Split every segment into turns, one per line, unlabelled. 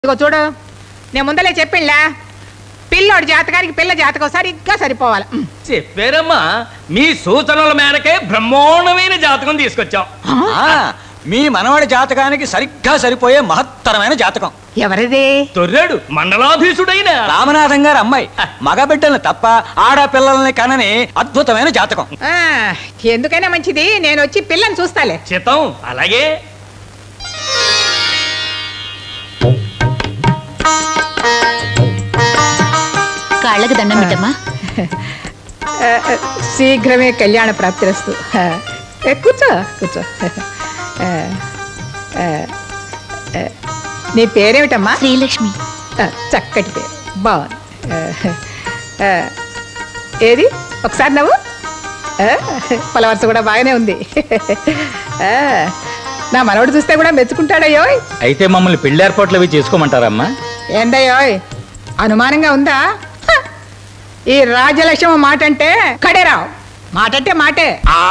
ఇదిగో చూడు, నేను ముందలే చెప్పిండ్లా, పిల్లోడి జాతకానికి పిల్ల జాతకం సరిగ్గా సరిపోవాలి.
చెప్పారమ్మా, మీ సూచనల మేరకే బ్రహ్మాండమైన జాతకం తీసుకొచ్చాం.
మీ మనవడి జాతకానికి సరిగ్గా సరిపోయే మహత్తరమైన జాతకం.
ఎవరిది?
తొర్రాడు మండలాధీశుడైన
రామనాథం గారి అమ్మాయి. మగబిడ్డల్ని తప్ప ఆడపిల్లల్ని కనని అద్భుతమైన జాతకం.
ఎందుకైనా మంచిది, నేను వచ్చి పిల్లని చూస్తాలే.
చిత్తం. అలాగే.
కాళ్ళకి దండం పెట్టమ్మా.
శీఘ్రమే కళ్యాణ ప్రాప్తిరస్తు. కూర్చో కూర్చో. నీ పేరేమిటమ్మా?
శ్రీలక్ష్మి.
చక్కటి పేరు, బాగుంది. ఏది ఒకసారి నవ్వు. పలవరస కూడా బాగానే ఉంది. నా మనవడు చూస్తే కూడా మెచ్చుకుంటాడయ్యో.
అయితే మమ్మల్ని పెళ్లి ఏర్పాట్లు అవి చేసుకోమంటారమ్మా?
ఏందయ్యోయ్, అనుమానంగా ఉందా? ఈ రాజలక్ష్మి మాట అంటే కడేరావు, మాట అంటే మాటే.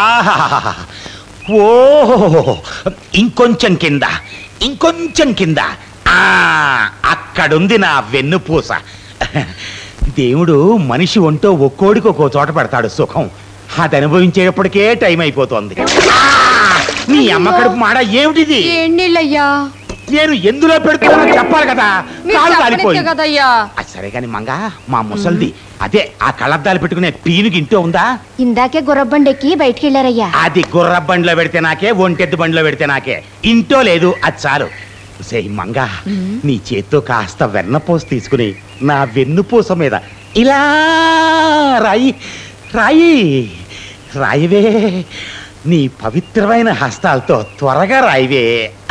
ఓహో, ఇంకొంచెం కింద, ఇంకొంచెం కింద. అక్కడుంది నా వెన్నుపూస. దేవుడు మనిషి ఒంటో ఒక్కోడికి ఒక్కో చోట పెడతాడు సుఖం. అది అనుభవించేటప్పటికే టైం అయిపోతుంది. నీ అమ్మ కడుపు మాడ ఏమిటిది? నేను ఎందులో పెడుతున్నా చెప్పాలి కదా, కాలు కాలిపోయి. సరే కాని మంగా, మా ముసల్ది అదే ఆ కళ్ళద్దాలు పెట్టుకునే పీనుకి ఇంట్లో ఉందా?
ఇందాకే గుర్రబండెక్కి బయటికి వెళ్ళారయ్యా.
అది గుర్ర బండిలో పెడితే నాకే, ఒంటెద్దు బండిలో పెడితే నాకే. ఇంట్లో లేదు, అది చాలు. సే మంగా, నీ చేత్తో కాస్త వెన్నపూస తీసుకుని నా వెన్నుపూస మీద ఇలా రాయి రాయి రాయివే. నీ పవిత్రమైన హస్తాలతో త్వరగా రాయివే.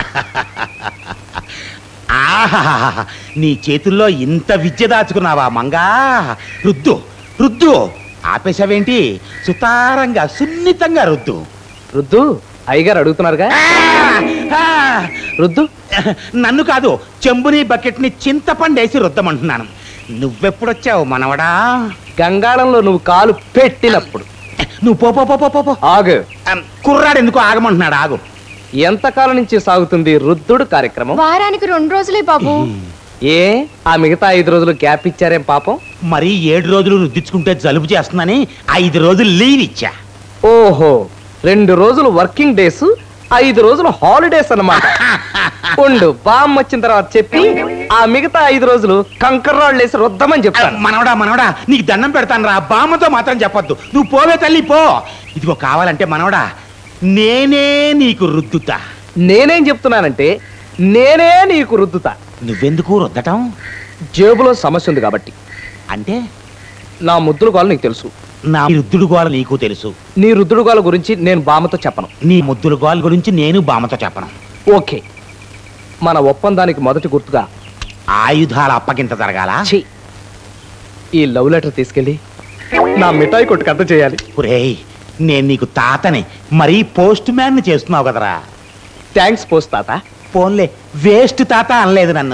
ఆహా, నీ చేతుల్లో ఇంత విద్య దాచుకున్నావా మంగా? రుద్దు రుద్దు. ఆపేశావేంటి? సుతారంగా సున్నితంగా రుద్దు.
రుద్దు. అయ్యగారు అడుగుతున్నారుగా, రుద్దు.
నన్ను కాదు, చెంబుని బకెట్ని చింతపండేసి రుద్దమంటున్నాను. నువ్వెప్పుడొచ్చావు మనవడా?
గంగాళంలో నువ్వు కాలు పెట్టినప్పుడు.
నువ్వు పో పో పో పో పో.
ఆగు.
కుర్రాడు ఎందుకు ఆగమంటున్నాడు? ఆగు.
ఎంతకాలం నుంచి సాగుతుంది రుద్దుడు కార్యక్రమం?
వారానికి 2 రోజులే బాబు.
ఏ, ఆ మిగతా 5 రోజులు గ్యాప్ ఇచ్చారేం పాపం?
మరి 7 రోజులు రుద్దించుకుంటే జలుబు చేస్తుందని 5 రోజులు లీవ్ ఇచ్చా.
ఓహో, 2 రోజులు వర్కింగ్ డేస్, 5 రోజులు హాలిడేస్ అన్నమాట. ఉండు, బామ్ వచ్చిన తర్వాత చెప్పి ఆ మిగతా 5 రోజులు కంకర్రాళ్ళు వేసి రుద్దమని చెప్తాను.
మనవడా మనవడా, నీకు దండం పెడతాను రా, బామ్మతో మాత్రం చెప్పొద్దు. నువ్వు పోవే తల్లి, పో. ఇదిగో కావాలంటే మనవడా, నేనే నీకు రుద్దుతా.
నేనేం చెప్తున్నానంటే, నేనే నీకు రుద్దుతా.
నువ్వెందుకు రుద్దటం?
జేబులో సమస్య ఉంది కాబట్టి.
అంటే
నా ముద్దుల గోల నీకు తెలుసు,
నా రుద్దుడు గోల నీకు తెలుసు.
నీ రుద్దుడు గోల గురించి నేను బామ్మతో చెప్పను.
నీ ముద్దుల గోల గురించి నేను బామ్మతో చెప్పను.
ఓకే, మన ఒప్పందానికి మొదటి గుర్తుగా
ఆయుధాల అప్పగింత జరగాల.
ఈ లవ్ లెటర్ తీసుకెళ్ళి నా మిఠాయి కొట్టుకు అంత చేయాలి.
ఒరేయ్, నేను నీకు తాతని, మరీ పోస్ట్ మ్యాన్ చేస్తున్నావు కదరా.
థ్యాంక్స్ పోస్ట్ తాత.
పోన్లే, వేస్ట్ తాత అనలేదు నన్ను.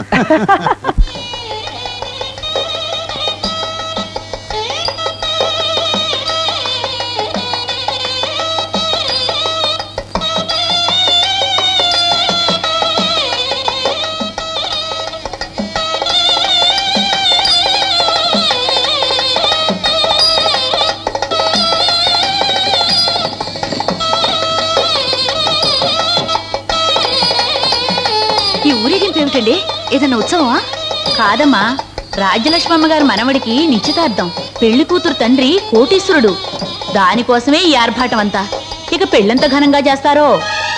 ఈ ఊరేగింపు ఏమిటండి? ఏదన్నా ఉత్సవమా? కాదమ్మా, రాజ్యలక్ష్మి అమ్మగారు మనవడికి నిశ్చితార్థం. పెళ్లి కూతురు తండ్రి కోటీశ్వరుడు. దానికోసమే ఈ ఆర్భాటం అంతా. ఇక పెళ్ళంత ఘనంగా చేస్తారో.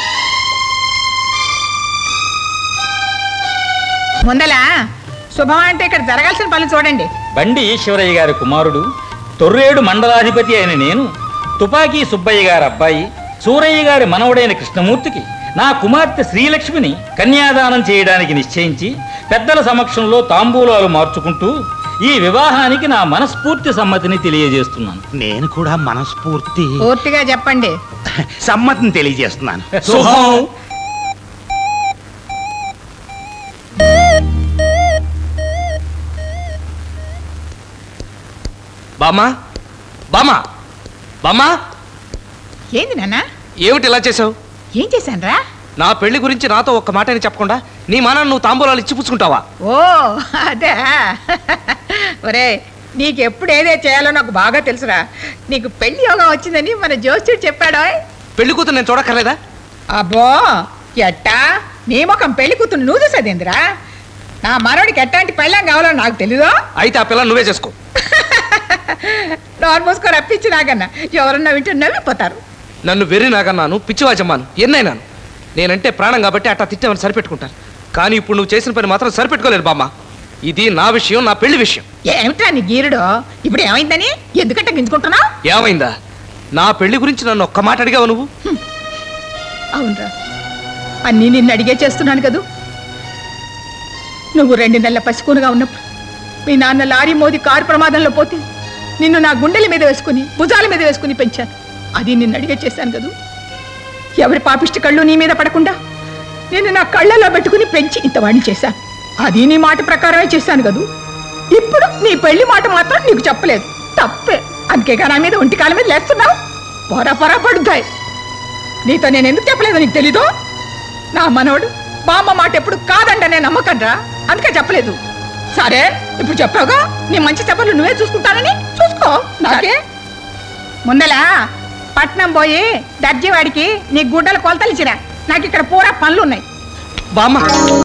ముందలా శుభం అంటే ఇక్కడ జరగాల్సిన పనులు చూడండి.
బండి ఈశ్వరయ్య గారి కుమారుడు, తొర్రేడు మండలాధిపతి అయిన నేను, తుపాకీ సుబ్బయ్య గారి అబ్బాయి, సూరయ్య గారి మనవడైన కృష్ణమూర్తికి నా కుమార్తె శ్రీలక్ష్మిని కన్యాదానం చేయడానికి నిశ్చయించి పెద్దల సమక్షంలో తాంబూలాలు మార్చుకుంటూ ఈ వివాహానికి నా మనస్ఫూర్తి సమ్మతిని తెలియజేస్తున్నాను.
నేను కూడా
పూర్తిగా చెప్పండి.
సమ్మతిని తెలియజేస్తున్నాను.
శుభం. బామ్మా, బామ్మా, బామ్మా.
ఏంది నాన్న?
ఏమిటి ఇలా చేసావు?
ఏం చేశాను రా?
నా పెళ్లి గురించి నాతో ఒక్క మాట అని చెప్పకుండా
నీ మానాన్ని నువ్వు తాంబూలాలు ఇచ్చి పుచ్చుకుంటావా?
ఓ అదే. ఒరే నీకు ఎప్పుడు ఏదే చేయాలో నాకు బాగా తెలుసురా. నీకు పెళ్లి యోగం వచ్చిందని మన జోస్యుడు చెప్పాడో.
పెళ్లి కూతురు నేను చూడక్కర్లేదా?
అబ్బో ఎట్టా నీ ముఖం పెళ్లి కూతురు నువ్వు చూసేదిందిరా. నా మనోడికి ఎట్టాంటి పెళ్ళం కావాలో నాకు తెలీదు.
అయితే ఆ పిల్లని నువ్వే చేసుకో.
నోరు మూసుకొని రప్పించి నాకన్నా ఎవరన్నా వింటూ నవ్విపోతారు.
నన్ను వెర్రి నాగన్నాను, పిచ్చివాజమ్మాను, ఎన్నైనాను. నేనంటే ప్రాణం కాబట్టి అట్టా తిట్టేమని సరిపెట్టుకుంటాను. కానీ ఇప్పుడు నువ్వు చేసిన పని మాత్రం సరిపెట్టుకోలేదు బామ్మ. ఇది నా విషయం, నా పెళ్లి విషయం.
ఏమిటా నీ గీరుడు? ఇప్పుడు ఏమైందని ఎందుకంటే గింజుకుంటున్నావు?
ఏమైందా? నా పెళ్లి గురించి నన్ను ఒక్క మాట అడిగావు నువ్వు?
అవునరా, అన్నీ నిన్ను అడిగే చేస్తున్నాను కదూ. నువ్వు 2 నెలల పసికూనుగా ఉన్నప్పుడు మీ నాన్న లారీ మోది కారు ప్రమాదంలో పోతే నిన్ను నా గుండెల మీద వేసుకుని భుజాల మీద వేసుకుని పెంచాను. అది నిన్ను అడిగే చేశాను కదూ. ఎవరి పాపిష్టి కళ్ళు నీ మీద పడకుండా నేను నా కళ్ళలో పెట్టుకుని పెంచి ఇంతవాడిని చేశాను. అది నీ మాట ప్రకారమే చేశాను కదూ. ఇప్పుడు నీ పెళ్లి మాట మాత్రం నీకు చెప్పలేదు. తప్పే. అందుకేగా నా మీద ఒంటికాల మీద లేస్తున్నావు. పొర పడుతాయి. నీతో నేను ఎందుకు చెప్పలేదు నీకు తెలీదు. నా మనవడు బామ్మ మాట ఎప్పుడు కాదంటే నమ్మకండ్రా, అందుకే చెప్పలేదు. సరే ఇప్పుడు చెప్పావుగా, నీ మంచి చెప్పలు నువ్వే చూసుకుంటానని చూసుకో. నాకే ముందలా పట్నం పోయి దర్జీవాడికి నీ గుడ్డలు కొలతలు ఇచ్చిరా. నాకు ఇక్కడ పూరా పనులు ఉన్నాయి
బామ్మ.